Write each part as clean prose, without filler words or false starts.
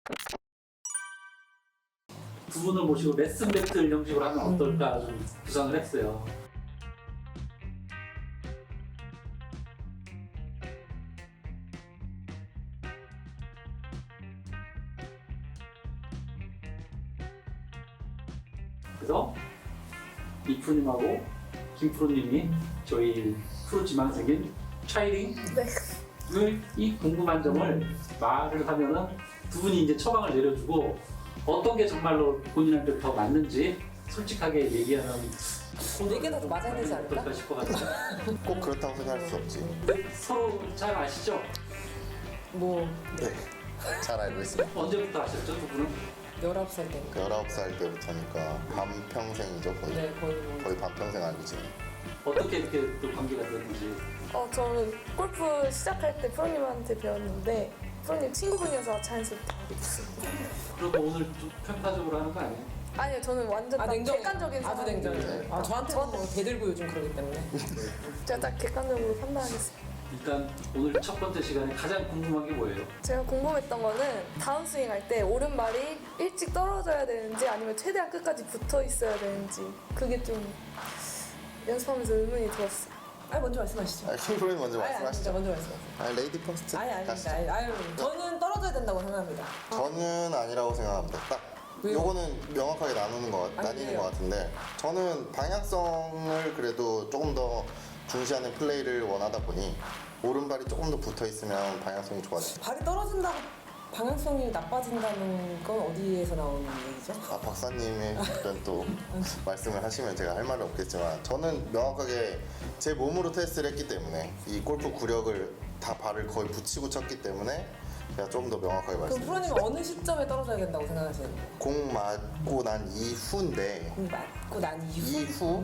두 분을 모시고 레슨 배틀 형식으로 하면 어떨까 좀 구상을 했어요. 그래서 이프님하고 김프로님이 저희 프로 지망생인 차이링을 이 궁금한 점을 말을 하면은 두 분이 이제 처방을 내려주고 어떤 게 정말로 본인한테 더 맞는지 솔직하게 얘기하면 이게 더 맞아야 되지 않을까? 어떨까 싶어가지고 꼭 그렇다고 생각할 수 없지. 근데 서로 잘 아시죠? 뭐 네. 잘 알고 있습니다. 언제부터 아셨죠 두 분은? 19살 때인가? 19살 때부터니까 반평생이죠, 거의. 네, 거의 뭐 거의 반평생 알고 지내. 어떻게 이렇게 또 관계가 됐는지. 저는 골프 시작할 때 프로님한테 배웠는데 프로님 친구분이어서 자연스럽게 알게 됐습니다. 그리고 오늘 좀 평가적으로 하는 거 아니에요? 아니요, 저는 완전 딱 객관적인 아주 사람이에요. 냉정해요. 저한테는 뭐 대들고 요즘 그러기 때문에. 제가 딱 객관적으로 판단하겠습니다. 일단 오늘 첫 번째 시간에 가장 궁금한 게 뭐예요? 제가 궁금했던 거는 다운 스윙 할 때 오른발이 일찍 떨어져야 되는지 아니면 최대한 끝까지 붙어 있어야 되는지 그게 좀 연습하면서 의문이 들었어요. 먼저 말씀하시죠. 킹프로님 먼저 아니, 말씀하시죠. 먼저 말씀하세요. 레이디 퍼스트. 아닙니다. 가시죠. 저는 떨어져야 된다고 생각합니다. 저는 아니라고 생각합니다. 딱 왜요? 요거는 명확하게 나뉘는 아니에요. 것 같은데 저는 방향성을 그래도 조금 더 중시하는 플레이를 원하다 보니 오른발이 조금 더 붙어 있으면 방향성이 좋아져요. 발이 떨어진다고 방향성이 나빠진다는 건 어디에서 나오는 얘기죠? 아, 박사님의 그런 또 말씀을 하시면 제가 할 말은 없겠지만 저는 명확하게 제 몸으로 테스트를 했기 때문에 이 골프 구력을 다 발을 거의 붙이고 쳤기 때문에 제가 조금 더 명확하게 그럼 말씀드릴게요. 프로님은 어느 시점에 떨어져야 된다고 생각하시는 거예요? 공 맞고 난 이후인데 맞고 난 이후?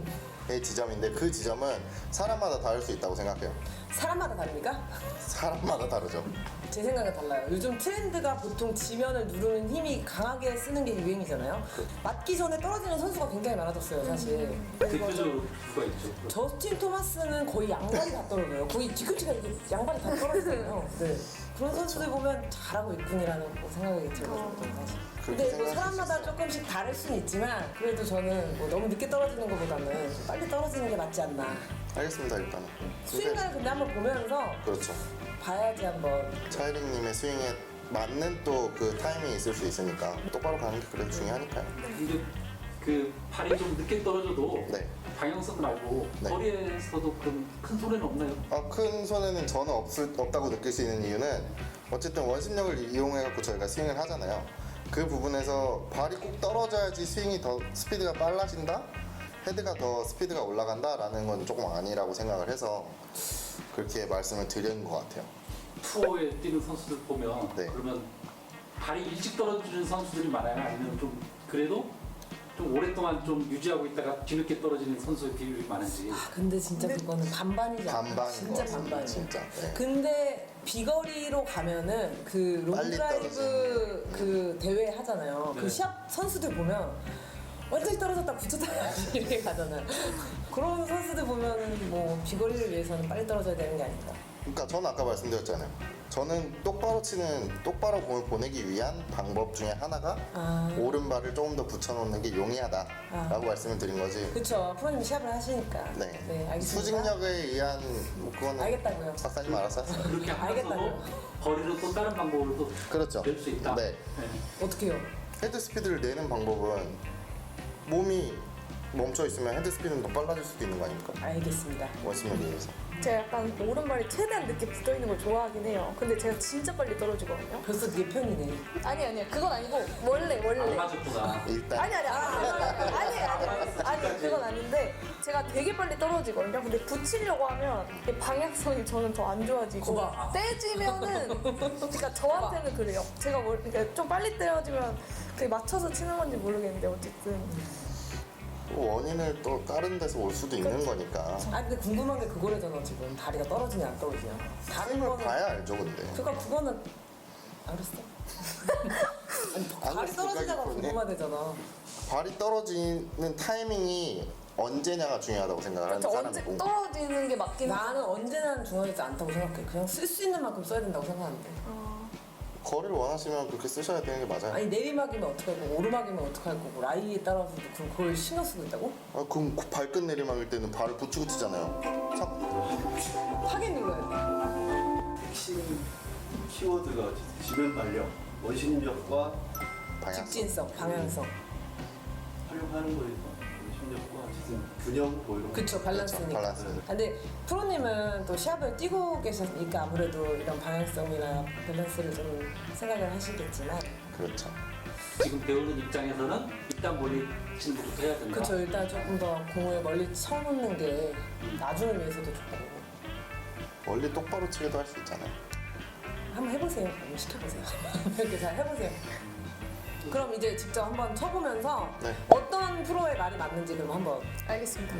이후의 지점인데 그 지점은 사람마다 다를 수 있다고 생각해요. 사람마다 다릅니까? 사람마다 다르죠. 제 생각은 달라요. 요즘 트렌드가 보통 지면을 누르는 힘이 강하게 쓰는 게 유행이잖아요. 맞기 전에 떨어지는 선수가 굉장히 많아졌어요, 사실. 대표적으로 누가 있죠? 저스틴 토마스는 거의 양발이 다 떨어져요. 거의 뒤꿈치가 이렇게 양발이 다 떨어지잖아요. 네. 그런 선수들 보면 잘하고 있군이라는 생각이 들거든요, 사실. 근데 뭐 생각할 수 사람마다 있어요. 조금씩 다를 수는 있지만 그래도 저는 뭐 너무 늦게 떨어지는 것보다는 좀 빨리 떨어지는 게 맞지 않나. 알겠습니다, 일단은. 스윙을 근데 한번 보면서 그렇죠. 봐야지 한번. 차이링님의 스윙에 맞는 또 그 타이밍이 있을 수 있으니까 똑바로 가는 게 그래도 중요하니까요. 근데 그 발이 좀 늦게 떨어져도 네. 방향성 말고 네. 거리에서도 그럼 큰 소리는 없나요? 큰 손해는 저는 없다고 느낄 수 있는 이유는 어쨌든 원심력을 이용해갖고 저희가 스윙을 하잖아요. 그 부분에서 발이 꼭 떨어져야지 스윙이 더 스피드가 빨라진다? 헤드가 더 스피드가 올라간다라는 건 조금 아니라고 생각을 해서 그렇게 말씀을 드리는 것 같아요. 투어에 뛰는 선수들 보면 네. 그러면 발이 일찍 떨어지는 선수들이 많아요? 아니면 좀 그래도 좀 오랫동안 좀 유지하고 있다가 뒤늦게 떨어지는 선수의 비율이 많은지. 근데 진짜 그거는 반반이지 않아요? 반반인 진짜 것 같습니다, 반반이에요. 진짜. 네. 근데 비거리로 가면은 그 빨리 롱드라이브 떨어지는. 그 대회 하잖아요. 네. 그 시합 선수들 보면 완전히 떨어졌다 붙였다 이렇게 가잖아요. 그런 선수들 보면은 뭐 비거리를 위해서는 빨리 떨어져야 되는 게 아닌가. 그러니까 저는 아까 말씀드렸잖아요. 저는 똑바로 공을 보내기 위한 방법 중에 하나가 오른발을 조금 더 붙여놓는 게 용이하다라고 말씀을 드린 거지. 그렇죠. 프로님이 시합을 하시니까. 네. 알겠습니다. 수직력에 의한 뭐 그거는 알겠다고요. 박사님 알아서 하세요. 그렇게 하면서도 알겠다고요. 거리를 또 다른 방법으로 또 그렇죠. 낼 수 있다. 네. 어떻게요? 헤드 스피드를 내는 방법은 몸이 멈춰 있으면 헤드 스피드는 더 빨라질 수도 있는 거 아닙니까? 알겠습니다. 원심력에 의해서. 제가 약간 오른발이 최대한 늦게 붙어 있는 걸 좋아하긴 해요. 근데 제가 진짜 빨리 떨어지거든요. 벌써 네 편이네. 아니요, 그건 아니고 원래. 안 맞았구나. 일단 아니 그건 아닌데 제가 되게 빨리 떨어지거든요. 근데 붙이려고 하면 이 방향성이 저는 더 안 좋아지고 거봐. 떼지면은 그러니까 저한테는 그래요. 제가 그러니까 좀 빨리 떨어지면 그게 맞춰서 치는 건지 모르겠는데 어쨌든 또 원인을 또 다른 데서 올 수도 있는 거니까. 근데 궁금한 게 그거래잖아 지금. 다리가 떨어지냐 안 떨어지냐. 다른 스윙을 거는 봐야 알죠, 근데. 그러니까 그거는 알았어. 아니, 발이 알았어, 떨어지냐가 그거는. 궁금하대잖아. 발이 떨어지는 타이밍이 언제냐가 중요하다고 생각을 하는 그렇죠. 언제 사람이고. 떨어지는 게 맞긴 나는 언제나 중요하지 않다고 생각해. 그냥 쓸 수 있는 만큼 써야 된다고 생각하는데. 거리를 원하시면 그렇게 쓰셔야 되는 게 맞아요. 아니 내리막이면 어떡할 거고 오르막이면 어떡할 거고 라이에 따라서도 그걸 신경 쓰고 있다고? 아, 그럼 그 발끝 내리막일 때는 발을 붙이고 치잖아요. 하겠는 거예요. 핵심 키워드가 지면 발력, 원심력과 방향성. 직진성, 방향성. 하려고 하는 거에서 원심력과 지금 균형 뭐 이런 거. 그쵸, 밸런스니까. 밸런스. 근데 프로님은 또 시합을 뛰고 계셨으니까 아무래도 이런 방향성이나 밸런스를 좀 생각을 하시겠지만 그렇죠. 지금 배우는 입장에서는 일단 멀리 치는 것부터 해야 된다. 그쵸, 일단 조금 더 공을 멀리 쳐놓는 게 나중을 위해서도 좋고 멀리 똑바로 치기도 할 수 있잖아요. 한번 해보세요. 한번 시켜보세요. 이렇게 잘 해보세요. 그럼 이제 직접 한번 쳐보면서 네. 어떤 프로의 말이 맞는지 그럼 한번 알겠습니다.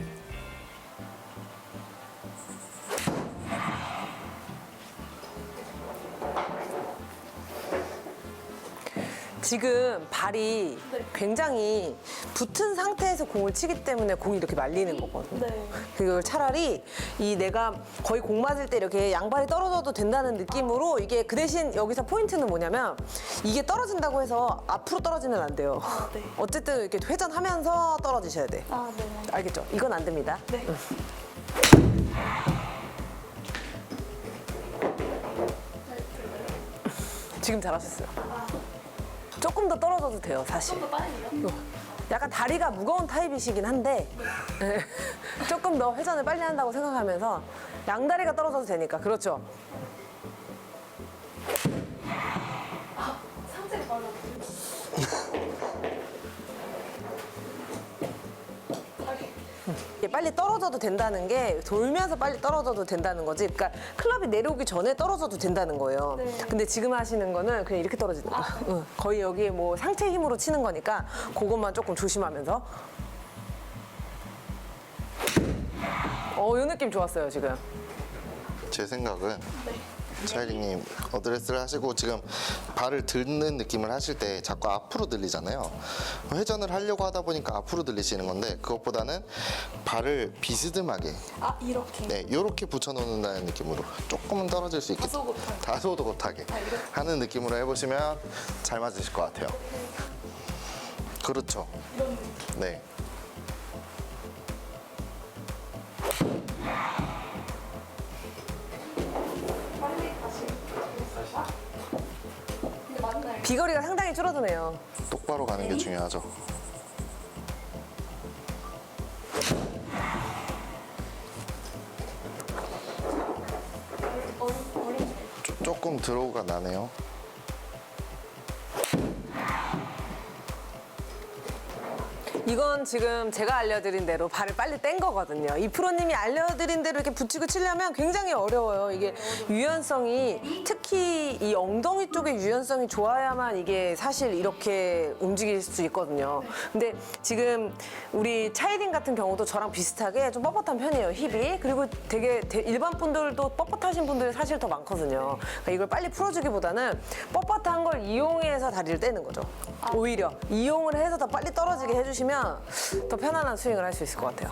지금 발이 네. 굉장히 붙은 상태에서 공을 치기 때문에 공이 이렇게 말리는 거거든요. 네. 그걸 차라리 이 내가 거의 공 맞을 때 이렇게 양발이 떨어져도 된다는 느낌으로 이게 그 대신 여기서 포인트는 뭐냐면 이게 떨어진다고 해서 앞으로 떨어지면 안 돼요. 아, 네. 어쨌든 이렇게 회전하면서 떨어지셔야 돼. 아, 네. 알겠죠? 이건 안 됩니다. 네. 지금 잘하셨어요. 조금 더 떨어져도 돼요, 사실. 좀 더 빨리요? 약간 다리가 무거운 타입이시긴 한데 조금 더 회전을 빨리 한다고 생각하면서 양다리가 떨어져도 되니까. 그렇죠. 상체가 빨라. 이게 빨리 떨어져도 된다는 게 돌면서 빨리 떨어져도 된다는 거지. 그러니까 클럽이 내려오기 전에 떨어져도 된다는 거예요. 네. 근데 지금 하시는 거는 그냥 이렇게 떨어지는 거야. 응. 거의 여기에 뭐 상체 힘으로 치는 거니까 그것만 조금 조심하면서. 이 느낌 좋았어요, 지금. 제 생각은 차이링님 어드레스를 하시고 지금 발을 드는 느낌을 하실 때 자꾸 앞으로 들리잖아요. 회전을 하려고 하다 보니까 앞으로 들리시는 건데 그것보다는 발을 비스듬하게 아, 이렇게. 네, 요렇게 붙여놓는다는 느낌으로 조금은 떨어질 수 있게 다소곳하게. 다소곳하게 이렇게. 하는 느낌으로 해보시면 잘 맞으실 것 같아요. 그렇죠. 이런 느낌. 네. 빨리 다시. 근데 맞나요? 비거리가 상당히 줄어드네요. 똑바로 가는 게 중요하죠. 어린 조금 드로우가 나네요. 이건 지금 제가 알려드린 대로 발을 빨리 뗀 거거든요. 이 프로님이 알려드린 대로 이렇게 붙이고 치려면 굉장히 어려워요. 이게 유연성이 특히 이 엉덩이 쪽의 유연성이 좋아야만 이게 사실 이렇게 움직일 수 있거든요. 근데 지금 우리 차이링 같은 경우도 저랑 비슷하게 좀 뻣뻣한 편이에요, 힙이. 그리고 되게 일반 분들도 뻣뻣하신 분들이 사실 더 많거든요. 그러니까 이걸 빨리 풀어주기보다는 뻣뻣한 걸 이용해서 다리를 떼는 거죠. 오히려 이용을 해서 더 빨리 떨어지게 해주시면 더 편안한 스윙을 할 수 있을 것 같아요.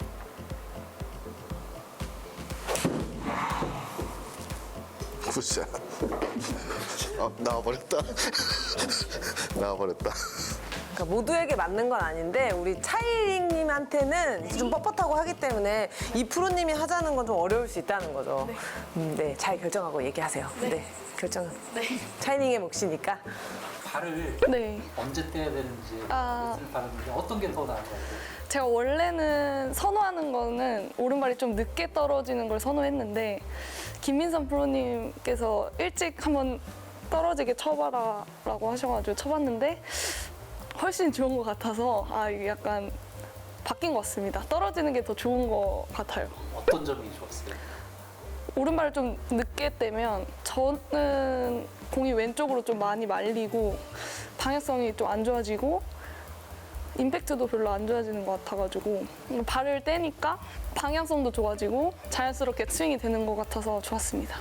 굿샷. 나와버렸다. 나와버렸다. 그러니까 모두에게 맞는 건 아닌데 우리 차이링님한테는 좀 뻣뻣하고 하기 때문에 이 프로님이 하자는 건 좀 어려울 수 있다는 거죠. 네, 잘 결정하고 얘기하세요. 네, 결정. 네. 차이링의 몫이니까. 발을 네. 언제 떼야 되는지 아. 무슨 바르는지 어떤 게 더 나은 것 같아요? 제가 원래는 선호하는 거는 오른발이 좀 늦게 떨어지는 걸 선호했는데 김민선 프로님께서 일찍 한번 떨어지게 쳐봐라 라고 하셔가지고 쳐봤는데 훨씬 좋은 것 같아서 이게 약간 바뀐 것 같습니다. 떨어지는 게 더 좋은 것 같아요. 어떤 점이 좋았어요? 오른발을 좀 늦게 떼면 저는 공이 왼쪽으로 좀 많이 말리고 방향성이 좀 안 좋아지고 임팩트도 별로 안 좋아지는 것 같아가지고 발을 떼니까 방향성도 좋아지고 자연스럽게 스윙이 되는 것 같아서 좋았습니다.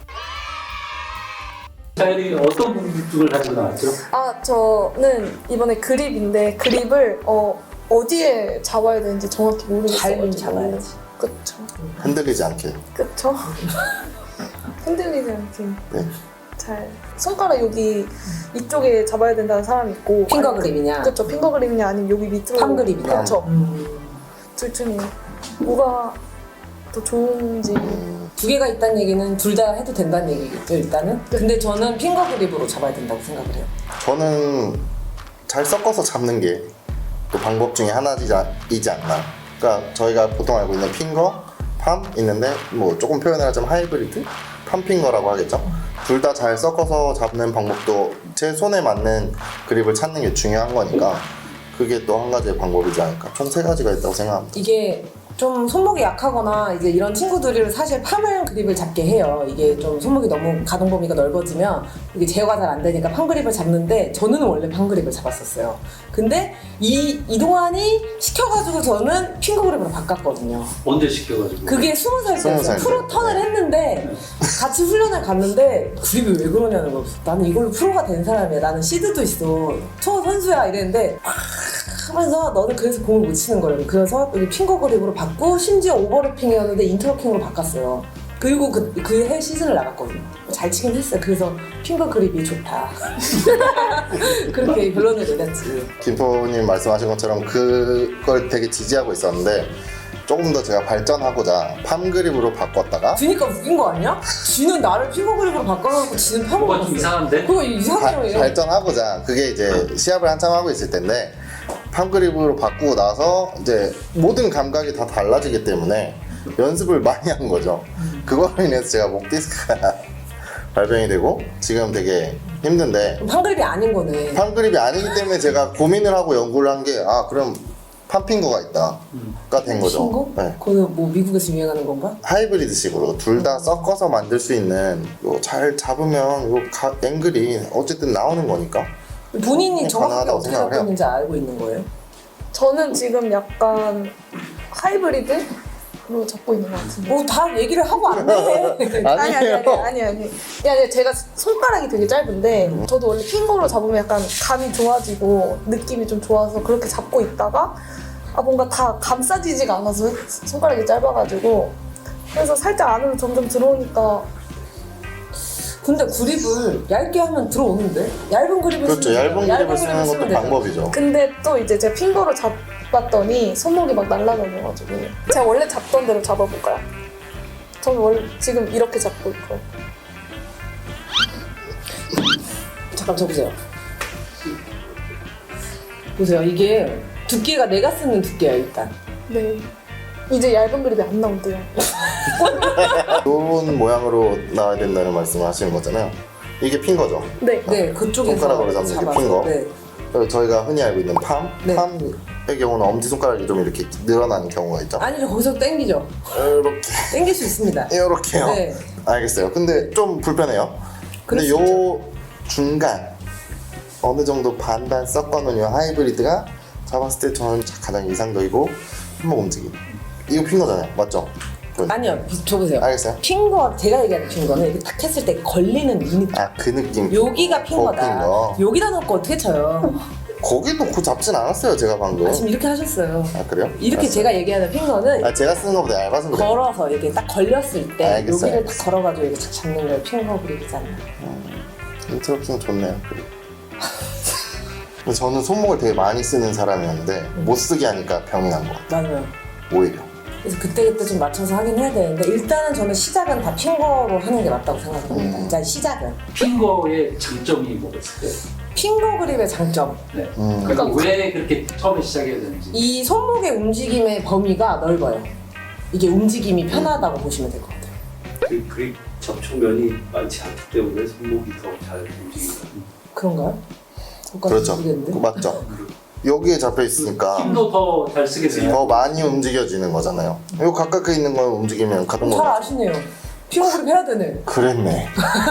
차이링이 어떤 궁금증을 가지고 나왔죠? 저는 이번에 그립인데 그립을 어디에 잡아야 되는지 정확히 모르겠어요. 발을 잡아야지. 그쵸. 흔들리지 않게. 그쵸. 흔들리지 않게 네. 잘 잘 손가락 여기 이쪽에 잡아야 된다는 사람이 있고 핑거 그립이냐? 그렇죠. 핑거 그립이냐 아니면 여기 밑으로 팜 그립이냐? 그렇죠. 둘 중에 뭐가 더 좋은지 두 개가 있다는 얘기는 둘 다 해도 된다는 얘기겠죠, 일단은? 근데 저는 핑거 그립으로 잡아야 된다고 생각을 해요. 저는 잘 섞어서 잡는 게 또 방법 중에 하나이지 않나. 그러니까 저희가 보통 알고 있는 핑거, 팜 있는데 뭐 조금 표현을 하자면 하이브리드, 팜핑거라고 하겠죠. 둘 다 잘 섞어서 잡는 방법도 제 손에 맞는 그립을 찾는 게 중요한 거니까 그게 또 한 가지의 방법이지 않을까. 총 3가지가 있다고 생각합니다. 이게 좀 손목이 약하거나 이제 이런 친구들을 사실 팜을 그립을 잡게 해요. 이게 좀 손목이 너무 가동 범위가 넓어지면 이게 제어가 잘 안 되니까 팜 그립을 잡는데 저는 원래 팜 그립을 잡았었어요. 근데 이동환이 시켜가지고 저는 핑거 그립으로 바꿨거든요. 언제 시켜가지고? 그게 20살 20살 때였어요. 때. 프로 턴을 했는데 같이 훈련을 갔는데 그립이 왜 그러냐는 거예요. 나는 이걸로 프로가 된 사람이야. 나는 시드도 있어. 초 선수야 이랬는데 하면서 너는 그래서 공을 못 치는 거예요. 그래서 여기 핑거 그립으로 바꾸고 심지어 오버래핑이었는데 인터로킹으로 바꿨어요. 그리고 그 해 시즌을 나갔거든요. 잘 치긴 했어요. 그래서 핑거 그립이 좋다. 그렇게 결론을 내렸지. 김포님 말씀하신 것처럼 그걸 되게 지지하고 있었는데 조금 더 제가 발전하고자 팜 그립으로 바꿨다가 쥐니까 웃긴 거 아니야? 쥐는 나를 핑거 그립으로 바꿔놓고 쥐는 팜을 뭐가 좀 바꿨어. 이상한데? 그거 이상해요. 발전하고자 그게 이제 시합을 한참 하고 있을 텐데 팜 그립으로 바꾸고 나서 이제 모든 감각이 다 달라지기 때문에 연습을 많이 한 거죠. 그거로 인해서 제가 목 디스크가 발병이 되고 지금 되게 힘든데 팜 그립이 아닌 거네. 팜 그립이 아니기 때문에 제가 고민을 하고 연구를 한 게 그럼 팜핑거가 있다가 된 거죠. 핑거? 네. 그거 뭐 미국에서 유행하는 건가? 하이브리드식으로 둘 다 섞어서 만들 수 있는 잘 잡으면 앵글이 어쨌든 나오는 거니까 본인이 정확하게 가능하다고 어떻게 생각을 잡고 해요. 있는지 알고 있는 거예요? 저는 지금 약간 하이브리드로 잡고 있는 것 같은데. 뭐 다 얘기를 하고 안 해. 아니 제가 손가락이 되게 짧은데 저도 원래 핑거로 잡으면 약간 감이 좋아지고 느낌이 좀 좋아서 그렇게 잡고 있다가 뭔가 다 감싸지지가 않아서 손가락이 짧아가지고 그래서 살짝 안으로 점점 들어오니까 근데 그립을 얇게 하면 들어오는데? 얇은 그립을 그렇죠. 쓰면 얇은 돼요. 그립을 쓰는 것도 되잖아. 방법이죠. 근데 또 이제 제가 핑거로 잡았더니 손목이 막 날아다녀가지고 제가 원래 잡던 대로 잡아볼까요? 저는 원래 지금 이렇게 잡고 있고요. 잠깐 쳐보세요. 보세요. 이게 두께가 내가 쓰는 두께야 일단. 네. 이제 얇은 그립이 안 나온대요. 이런 모양으로 나와야 된다는 말씀을 하시는 거잖아요. 이게 핑거죠. 네. 네, 그쪽에서 손가락으로 잡는 게 잡아서. 핑거. 네. 그리고 저희가 흔히 알고 있는 네. 팜의 경우는 엄지손가락이 좀 이렇게 늘어나는 경우가 있죠. 아니죠. 거기서 당기죠. 이렇게 당길 수 있습니다. 이렇게요. 네. 알겠어요. 근데 좀 불편해요. 근데 그럴 수 요 중간 어느 정도 반반 섞어놓은 요 하이브리드가 잡았을 때 저는 가장 이상적이고 손목 움직임. 이거 핑거잖아요. 맞죠? 아니요. 줘보세요. 알겠어요. 핑거, 제가 얘기하는 핑거는 이렇게 딱 했을 때 걸리는 이 느낌. 그 느낌. 여기가 핑거다. 핑거. 여기다 놓고 어떻게 쳐요? 거기 놓고 잡진 않았어요. 제가 방금. 지금 이렇게 하셨어요. 그래요? 이렇게 알았어요. 제가 얘기하는 핑거는 제가 쓰는 것보다 얇아서 그래요. 걸어서 이렇게 딱 걸렸을 때 알겠어요, 여기를 딱 걸어가지고 이렇게 착 잡는 걸 핑거 그립이잖아요. 인터럽션 좋네요. 근데 저는 손목을 되게 많이 쓰는 사람이었는데 못 쓰게 하니까 병이 난 것 같아요. 맞아요. 오히려. 그래서 그때그때 좀 맞춰서 하긴 해야 되는데 일단은 저는 시작은 다 핑거로 하는 게 맞다고 생각합니다. 일단 시작은. 핑거의 장점이 뭐가 있을까요? 핑거 그립의 장점. 네. 그러니까 왜 그렇게 처음에 시작해야 되는지. 이 손목의 움직임의 범위가 넓어요. 이게 움직임이 편하다고 보시면 될 것 같아요. 그 그립 접촉면이 많지 않기 때문에 손목이 더 잘 움직인다. 그런가요? 그렇죠. 모르겠는데. 맞죠. 여기에 잡혀 있으니까 힘도 더 잘 쓰게 돼요. 더 많이 움직여지는 거잖아요. 요 가깝게 있는 거 움직이면 가동 잘 거 아시네요. 핑거 그립 해야 되네. 그랬네.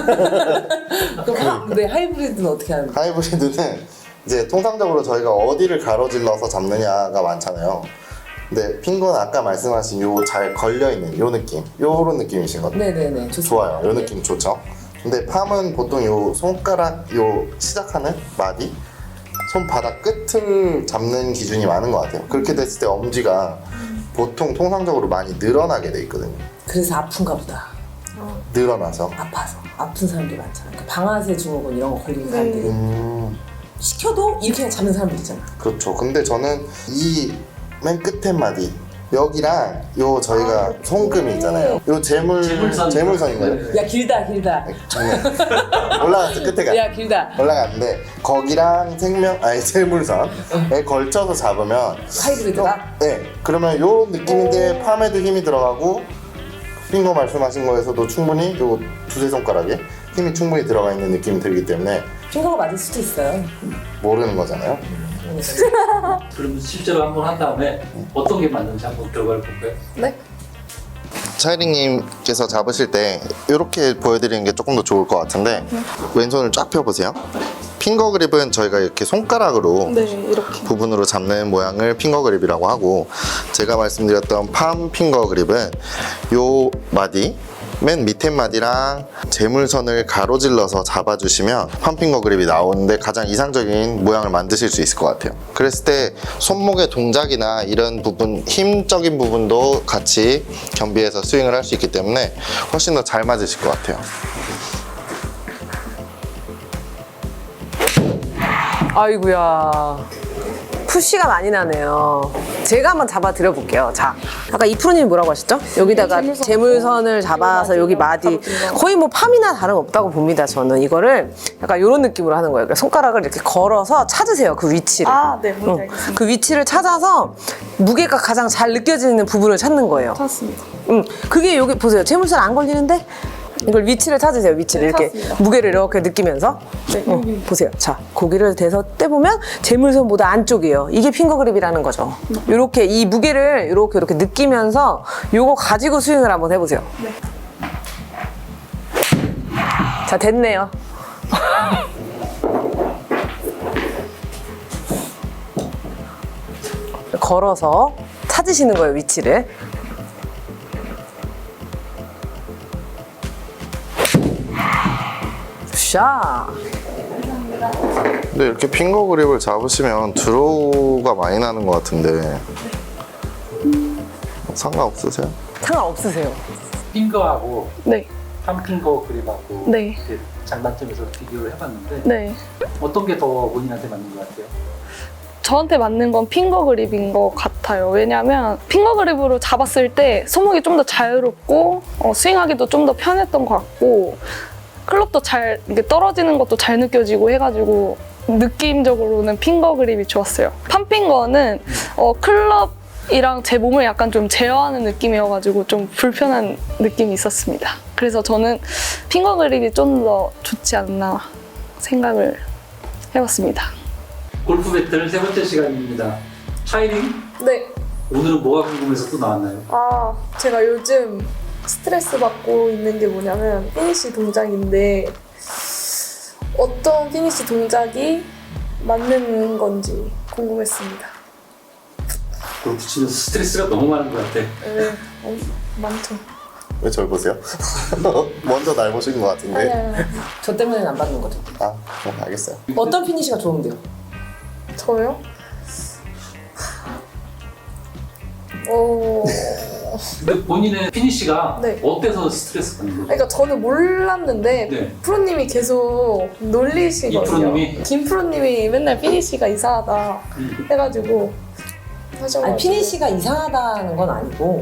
그럼 근데 하이브리드는 어떻게 하는 거예요? 하이브리드는 이제 통상적으로 저희가 어디를 가로질러서 잡느냐가 많잖아요. 근데 핑거는 아까 말씀하신 요 잘 걸려 있는 요 느낌, 요런 느낌이신 것 같아요. 네네네. 좋습니다. 좋아요. 요 느낌 좋죠. 근데 팜은 보통 요 손가락 요 시작하는 마디, 손바닥 끝을 잡는 기준이 많은 것 같아요. 그렇게 됐을 때 엄지가 보통 통상적으로 많이 늘어나게 돼 있거든요. 그래서 아픈가 보다. 늘어나서 아파서. 아픈 사람들이 많잖아. 그러니까 방아쇠 증후군 이런 거 걸리는 사람들이 시켜도 이렇게 그냥 잡는 사람들이잖아. 그렇죠. 근데 저는 이 맨 끝에 마디 여기랑 요 저희가 손금이 있잖아요. 요 재물선인가요? 네. 야 길다. 네. 올라갔어 끝에가. 야 길다. 올라갔는데 거기랑 재물선에 걸쳐서 잡으면 하이브리드가? 네. 그러면 요 느낌인데 팜에도 힘이 들어가고 핑거 말씀하신 거에서도 충분히 요 두세 손가락에 힘이 충분히 들어가 있는 느낌이 들기 때문에 핑거가 맞을 수도 있어요. 모르는 거잖아요. 그럼 실제로 한번 한 다음에 어떤 게 맞는지 한번 결과를 볼까요? 네. 차이링님께서 잡으실 때 이렇게 보여드리는 게 조금 더 좋을 것 같은데 왼손을 쫙 펴보세요. 핑거 그립은 저희가 이렇게 손가락으로 네, 이렇게. 부분으로 잡는 모양을 핑거 그립이라고 하고 제가 말씀드렸던 팜 핑거 그립은 요 마디 맨 밑에 마디랑 재물선을 가로질러서 잡아주시면 팜핑거 그립이 나오는데 가장 이상적인 모양을 만드실 수 있을 것 같아요. 그랬을 때 손목의 동작이나 이런 부분, 힘적인 부분도 같이 겸비해서 스윙을 할 수 있기 때문에 훨씬 더 잘 맞으실 것 같아요. 아이고야. 푸시가 많이 나네요. 제가 한번 잡아 드려볼게요. 자, 아까 이 프로님이 뭐라고 하셨죠? 여기다가 재물선을 잡아서 여기 마디 거의 뭐 팜이나 다름없다고 봅니다. 저는 이거를 약간 이런 느낌으로 하는 거예요. 그러니까 손가락을 이렇게 걸어서 찾으세요. 그 위치를. 네, 뭔지 알겠습니다. 그 위치를 찾아서 무게가 가장 잘 느껴지는 부분을 찾는 거예요. 찾았습니다. 그게 여기 보세요. 재물선 안 걸리는데 이걸 위치를 찾으세요. 위치를 이렇게 찾았습니다. 무게를 이렇게 느끼면서 네, 보세요. 자, 고기를 대서 떼보면 재물선보다 안쪽이에요. 이게 핑거 그립이라는 거죠. 이렇게 이 무게를 이렇게 느끼면서 요거 가지고 스윙을 한번 해보세요. 네. 자, 됐네요. 걸어서 찾으시는 거예요, 위치를. 샤. 근데 이렇게 핑거 그립을 잡으시면 드로우가 많이 나는 것 같은데 상관없으세요? 상관없으세요. 핑거하고 네. 팜핑거 그립하고 네. 이렇게 장단점에서 비교를 해봤는데 네. 어떤 게 더 본인한테 맞는 것 같아요? 저한테 맞는 건 핑거 그립인 것 같아요. 왜냐면 핑거 그립으로 잡았을 때 손목이 좀 더 자유롭고 스윙하기도 좀 더 편했던 것 같고 클럽도 잘 이렇게 떨어지는 것도 잘 느껴지고 해가지고 느낌적으로는 핑거 그립이 좋았어요. 팜핑거는 클럽이랑 제 몸을 약간 좀 제어하는 느낌이어가지고 좀 불편한 느낌이 있었습니다. 그래서 저는 핑거 그립이 좀 더 좋지 않나 생각을 해봤습니다. 골프 배틀 세 번째 시간입니다. 차이링 네. 오늘은 뭐가 궁금해서 또 나왔나요? 제가 요즘 스트레스 받고 있는 게 뭐냐면 피니시 동작인데 어떤 피니시 동작이 맞는 건지 궁금했습니다. 골프 치면서 스트레스가 너무 많은 것 같아. 네, 많죠. 왜 저를 보세요? 먼저 날 보신 것 같은데. 아니. 저 때문에는 안 받는 거죠. 알겠어요. 어떤 피니시가 좋은데요? 저요? 근데 본인의 피니시가 네. 어때서 스트레스 받는 거죠? 그러니까 저는 몰랐는데 네. 프로님이 계속 놀리시거든요. 이 프로님이? 김 프로님이 맨날 피니시가 이상하다 해가지고 하셔가지고. 아니, 피니시가 이상하다는 건 아니고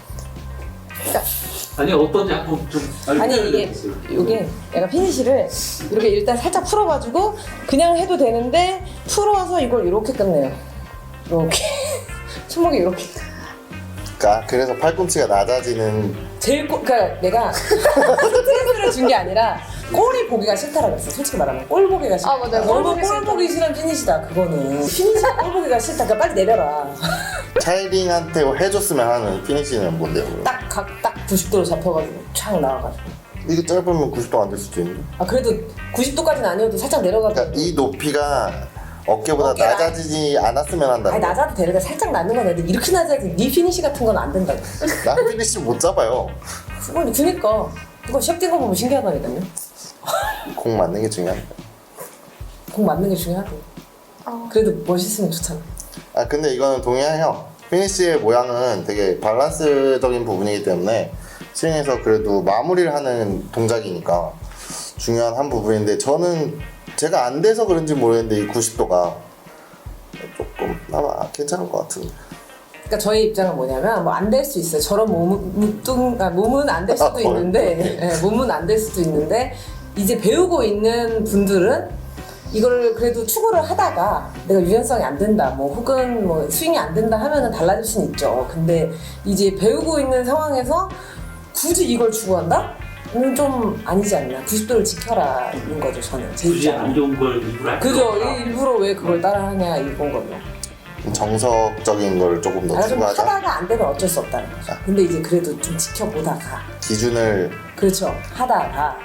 아니 어떤지 한번 좀 아니 이게 알려주세요. 이게 약간 피니시를 이렇게 일단 살짝 풀어가지고 그냥 해도 되는데 풀어서 이걸 이렇게 끝내요. 이렇게 손목이 이렇게. 그래서 팔꿈치가 낮아지는 그러니까 내가 스트레스를 준 게 아니라 꼴이 보기가 싫다라고 했어. 솔직히 말하면 꼴 보기가 싫다. 맞아요. 너무 꼴 보기 꼴 싫다. 보기 싫은 피니시다. 그거는 피니시가 꼴 보기가 싫다. 그러니까 빨리 내려라. 차이링한테 해줬으면 하는 피니시는 뭔데요? 그럼? 딱 90도로 잡혀가지고 촥 나와가지고. 이게 짧으면 90도 안 될 수도 있는데. 그래도 90도까지는 아니어도 살짝 내려가지고. 그러니까 이 높이가 어깨보다 어깨가- 낮아지지 않았으면 한다. 아니 낮아도 되는데 살짝 낮는 건 애들 이렇게 낮아야지. 네 피니시 같은 건 안 된다고. 난 피니시 못 잡아요. 그니까 그거 시합 뛴거 보면 신기하다니까요. 공 맞는 게 중요합니다. 공 맞는 게 중요하고. 그래도 멋있으면 좋잖아. 근데 이거는 동의해요. 피니시의 모양은 되게 밸런스적인 부분이기 때문에 스윙에서 그래도 마무리를 하는 동작이니까 중요한 한 부분인데 저는 제가 안 돼서 그런지 모르겠는데 이 90도가 조금 아마 괜찮은 것 같은데. 그러니까 저희 입장은 뭐냐면 뭐 안 될 수 있어요. 저런 몸은 안 될 수도 있는데 몸은 안 될 수도 있는데 이제 배우고 있는 분들은 이걸 그래도 추구를 하다가 내가 유연성이 안 된다 뭐 혹은 뭐 스윙이 안 된다 하면은 달라질 수는 있죠. 근데 이제 배우고 있는 상황에서 굳이 이걸 추구한다? 좀 아니지 않나. 90도를 지켜라는 거죠. 저는 제 굳이 입장은. 안 좋은 걸 일부러 할 그죠. 필요 없다. 일부러 왜 그걸 따라하냐 이건 거죠. 정석적인 걸 조금 더 아, 좀 추구하자. 하다가 안 되면 어쩔 수 없다는 거죠. 근데 이제 그래도 좀 지켜보다가 기준을 그렇죠. 하다가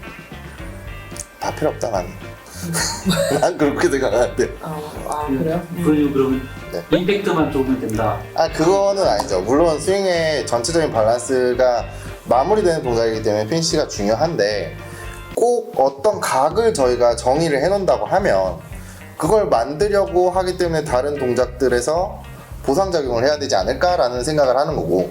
다 필요 없다 나는. 난 그렇게 생각하는데. 그래요? 그러면 네. 임팩트만 좋으면 된다. 그거는 아니죠. 물론 스윙의 전체적인 밸런스가 마무리되는 동작이기 때문에 피니시가 중요한데 꼭 어떤 각을 저희가 정의를 해놓는다고 하면 그걸 만들려고 하기 때문에 다른 동작들에서 보상작용을 해야 되지 않을까라는 생각을 하는 거고,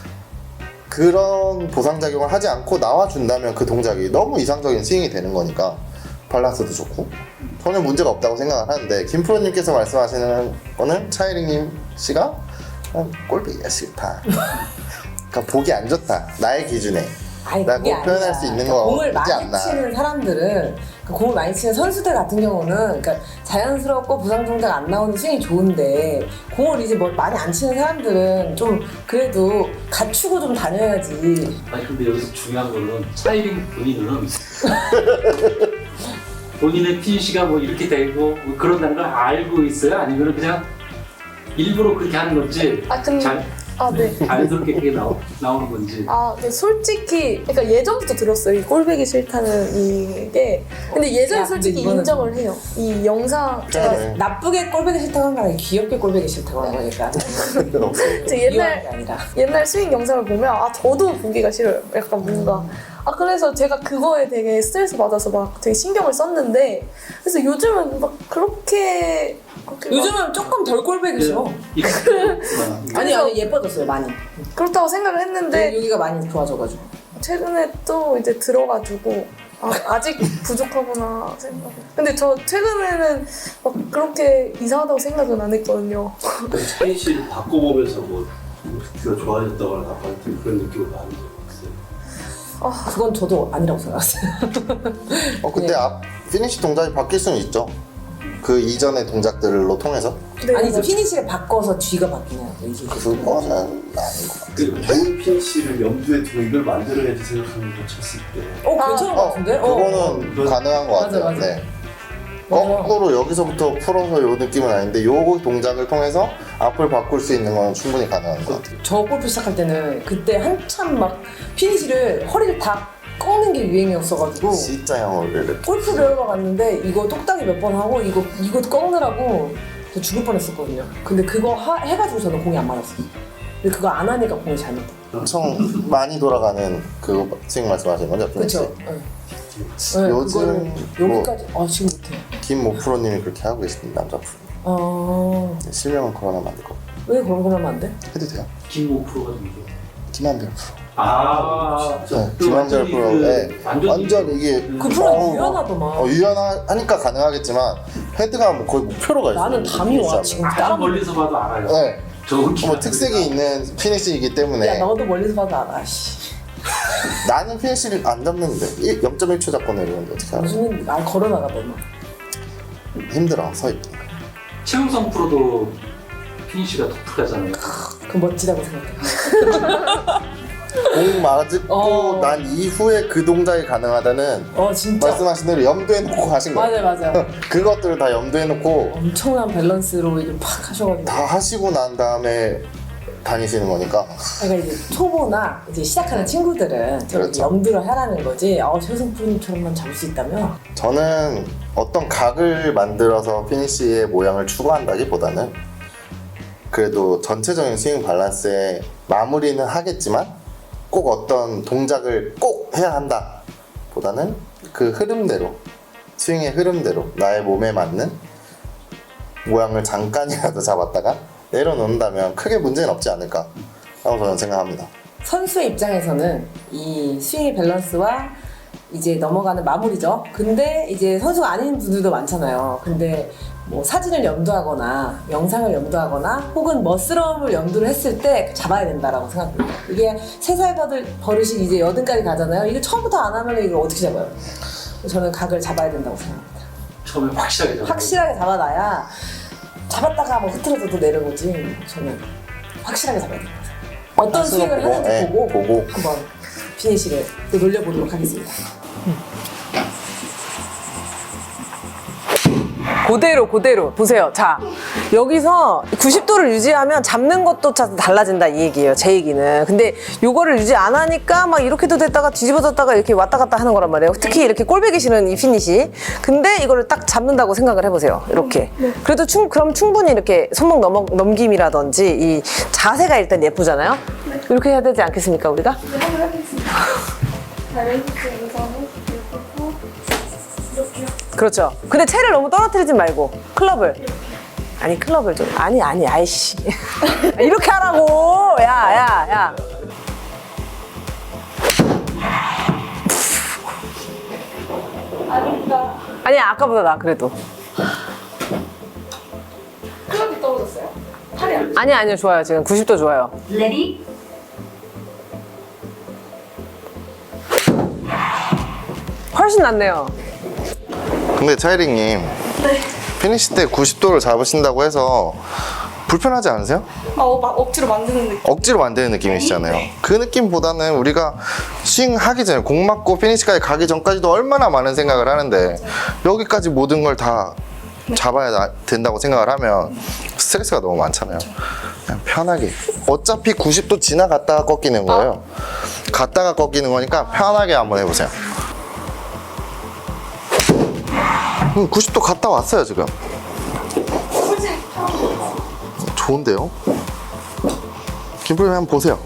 그런 보상작용을 하지 않고 나와준다면 그 동작이 너무 이상적인 스윙이 되는 거니까 밸런스도 좋고 전혀 문제가 없다고 생각을 하는데, 김프로님께서 말씀하시는 거는 차이링님 씨가 꼴보기가 싫다. 그러니까 보기 안 좋다. 나의 기준에. 아니, 라고 그게 표현할 아니라. 수 있는 그러니까 공을 거지 많이 않나. 치는 사람들은 공을 많이 치는 선수들 같은 경우는 그러니까 자연스럽고 부상 동작 안 나오는 스윙이 좋은데 공을 이제 뭐 많이 안 치는 사람들은 좀 그래도 갖추고 좀 다녀야지. 아니 근데 여기서 중요한 거는 차이링 본인은 본인의 피니시가 뭐 이렇게 되고 뭐 그런다는 걸 알고 있어요? 아니면 그냥 일부러 그렇게 하는 건지 근데 네. 자연스럽게 그게 나오는 건지. 근데 솔직히 그러니까 예전부터 들었어요. 이 꼴배기 싫다는 이게. 근데 예전에 야, 솔직히 근데 이거는 인정을 해요. 이 영상 제가 네. 나쁘게 꼴보기 싫다고 하는 게 아니라 귀엽게 꼴보기 싫다고 하는 거니까. 제 미워하는 게 아니라. 옛날 스윙 영상을 보면 저도 보기가 싫어요. 약간 뭔가 그래서 제가 그거에 되게 스트레스 받아서 막 되게 신경을 썼는데, 그래서 요즘은 막 그렇게 막 요즘은 조금 덜 꼴보기 싫어. 아니 예뻐졌어요 많이. 그렇다고 생각을 했는데 여기가 많이 좋아져가지고. 최근에 또 이제 들어가지고 아직 부족하구나 생각. 근데 저 최근에는 막 그렇게 이상하다고 생각은 안 했거든요. 피니시를 바꿔보면서 뭐 뷰가 좋아졌다거나 나빠졌다는 그런 느낌을 많이 들었어요. 그건 저도 아니라고 생각했어요. 근데 앞 피니시 동작이 바뀔 수는 있죠. 그 이전의 동작들로 통해서. 네, 아니지 피니시를 바꿔서 뒤가 바뀌냐 이게. 그거는 아닌 것 같아요. 그 좋은 피니시를 염두에 두고 이걸 만들어야지 생각하는 거 쳤을 때 괜찮은 것 같은데? 그거는 가능한 것 맞아, 같아요. 맞아. 네. 거꾸로 여기서부터 풀어서 요 느낌은 아닌데 요 동작을 통해서 앞을 바꿀 수 있는 건 충분히 가능한 것 같아요. 저 골프 시작할 때는 그때 한참 막 피니시를 허리를 다 꺾는 게 유행이었어가지고 진짜 형을 골프 배우러 갔는데 이거 똑딱이 몇 번 하고 이거 꺾느라고 저 죽을 뻔했었거든요. 근데 그거 해가지고 저는 공이 안 맞았어요. 근데 그거 안 하니까 공이 잘 맞다. 엄청 많이 돌아가는 그 스윙 말씀하시는 거죠? 그렇죠. 요즘 뭐 여기까지 지금 못해. 김모 프로님이 그렇게 하고 계십니다. 남자 프로. 실명은 그만하면 안 될 것 같아요. 왜 그런 걸 하면 안 돼? 해도 돼요? 김모 프로가 누구죠? 김한별 프로. 진짜. 네, 김한별 프로. 네. 완전 이게 그 프로는 유연하더만. 유연하니까 가능하겠지만 헤드가 뭐 거의 목표로가 있어요. 나는 감이 와 지금 아주 따라. 멀리서 봐도 알아요. 네. 좋은 뭐 특색이 있는 피니시이기 때문에 야 너도 멀리서 봐도 알아. 씨. 나는 피니시를 안 잡는데 0.1초 잡고 내리는데 어떻게 알아? 무슨 걸어 나가더만. 힘들어 서 있기. 최우성 프로도 피니시가 독특하잖아요. 그 멋지다고 생각해. 공 맞고 난 이후에 그 동작이 가능하다는 진짜. 말씀하신 대로 염두에 놓고 하신 거예요. 맞아. 그것들을 다 염두에 놓고 엄청난 밸런스로 이제 팍 하셔가지고. 다 하시고 난 다음에 다니시는 거니까. 그러니까 이제 초보나 이제 시작하는 친구들은 저렇게 그렇죠. 염두를 하라는 거지. 최우성 프로님처럼만 잡을 수 있다면. 저는 어떤 각을 만들어서 피니시의 모양을 추구한다기보다는 그래도 전체적인 스윙 밸런스에 마무리는 하겠지만 꼭 어떤 동작을 꼭 해야 한다 보다는 그 흐름대로, 스윙의 흐름대로 나의 몸에 맞는 모양을 잠깐이라도 잡았다가 내려놓는다면 크게 문제는 없지 않을까 라고 저는 생각합니다. 선수의 입장에서는 이 스윙의 밸런스와 이제 넘어가는 마무리죠. 근데 이제 선수가 아닌 분들도 많잖아요. 근데 뭐 사진을 염두하거나 영상을 염두하거나 혹은 멋스러움을 염두를 했을 때 잡아야 된다라고 생각합니다. 이게 3살 버릇이 이제 8까지 가잖아요. 이거 처음부터 안 하면 이걸 어떻게 잡아요? 저는 각을 잡아야 된다고 생각합니다. 처음에 확실하게 잡아요. 확실하게 잡아놔야 잡았다가 뭐 흐트러져도 내려오지. 저는 확실하게 잡아야 됩니다. 어떤 스윙을 하는지 네, 보고 한번 피니시를 또 놀려보도록 하겠습니다. 그대로 보세요. 자, 여기서 90도를 유지하면 잡는 것도 달라진다 이 얘기예요. 제 얘기는. 근데 요거를 유지 안 하니까 막 이렇게도 됐다가 뒤집어졌다가 이렇게 왔다 갔다 하는 거란 말이에요. 특히 이렇게 꼴보기 싫은 이 피니시. 근데 이거를 딱 잡는다고 생각을 해보세요. 이렇게. 그래도 그럼 충분히 이렇게 손목 넘김이라든지 이 자세가 일단 예쁘잖아요. 이렇게 해야 되지 않겠습니까 우리가? 네, 한번 해보겠습니다. 자, 왼쪽 우선은 이렇게요. 그렇죠. 근데 채를 너무 떨어뜨리지 말고 클럽을. 아니 클럽을 좀. 아니 아이씨. 이렇게 하라고. 야. 아닙니다. 아니 아까보다 나 그래도. 클럽이 떨어졌어요. 팔이 안 아니요 좋아요. 지금 90도 좋아요. Ready? 훨씬 낫네요. 근데 차이링님 피니시 때 90도를 잡으신다고 해서 불편하지 않으세요? 막 억지로 만드는 느낌. 억지로 만드는 느낌이시잖아요. 그 느낌보다는 우리가 스윙 하기 전에 공 맞고 피니시까지 가기 전까지도 얼마나 많은 생각을 하는데 여기까지 모든 걸 다 잡아야 된다고 생각을 하면 스트레스가 너무 많잖아요. 그냥 편하게. 어차피 90도 지나갔다가 꺾이는 거예요. 갔다가 꺾이는 거니까 편하게 한번 해보세요. 90도 갔다 왔어요 지금. 좋은데요? 김프로님 한번 보세요.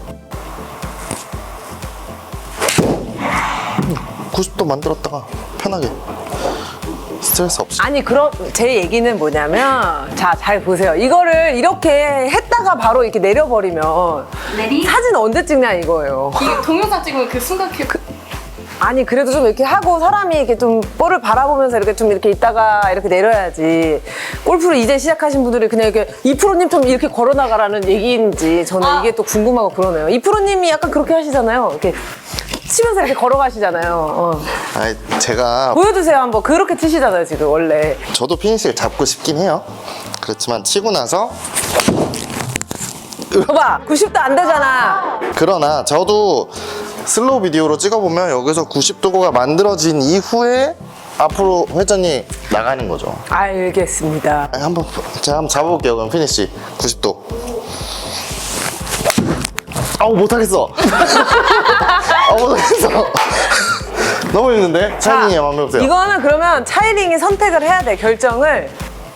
90도 만들었다가 편하게 스트레스 없이. 아니 그럼 제 얘기는 뭐냐면 자 잘 보세요. 이거를 이렇게 했다가 바로 이렇게 내려버리면 Ready? 사진 언제 찍냐 이거예요. 이게 동영상 찍으면 그 순간 아니 그래도 좀 이렇게 하고 사람이 이렇게 좀 볼을 바라보면서 이렇게 좀 이렇게 있다가 이렇게 내려야지. 골프를 이제 시작하신 분들이 그냥 이렇게 이프로님 좀 이렇게 걸어나가라는 얘기인지 저는 이게 또 궁금하고 그러네요. 이프로님이 약간 그렇게 하시잖아요. 이렇게 치면서 이렇게 걸어가시잖아요. 아니 제가 보여주세요 한번. 그렇게 치시잖아요 지금 원래. 저도 피니시를 잡고 싶긴 해요. 그렇지만 치고 나서 봐봐 90도 안 되잖아. 그러나 저도 슬로우 비디오로 찍어보면 여기서 90도가 만들어진 이후에 앞으로 회전이 나가는 거죠. 알겠습니다. 아니, 제가 한번 잡아볼게요. 그럼 피니시 90도. 아우 못하겠어. 못하겠어. 너무 힘든데? 차이링이 한번 해보세요. 이거는 그러면 차이링이 선택을 해야 돼. 결정을.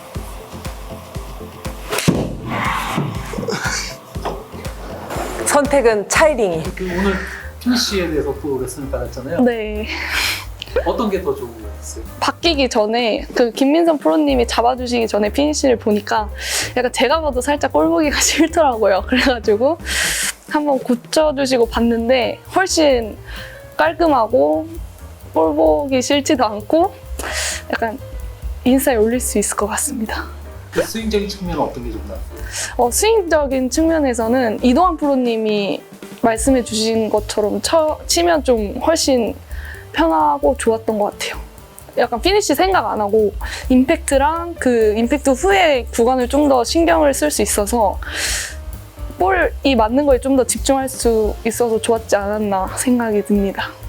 선택은 차이링이. 오늘 피니시에 대해서 또 레슨을 받았잖아요. 네. 어떤 게 더 좋은 거였어요? 바뀌기 전에 그 김민선 프로님이 잡아주시기 전에 피니시를 보니까 약간 제가 봐도 살짝 꼴 보기가 싫더라고요. 그래가지고 한번 고쳐주시고 봤는데 훨씬 깔끔하고 꼴 보기 싫지도 않고 약간 인스타에 올릴 수 있을 것 같습니다. 그 스윙적인 측면은 어떤 게 좀 나았어요? 스윙적인 측면에서는 이동환 프로님이 말씀해 주신 것처럼 치면 좀 훨씬 편하고 좋았던 것 같아요. 약간 피니시 생각 안 하고 임팩트랑 그 임팩트 후에 구간을 좀 더 신경을 쓸 수 있어서 볼이 맞는 거에 좀 더 집중할 수 있어서 좋았지 않았나 생각이 듭니다.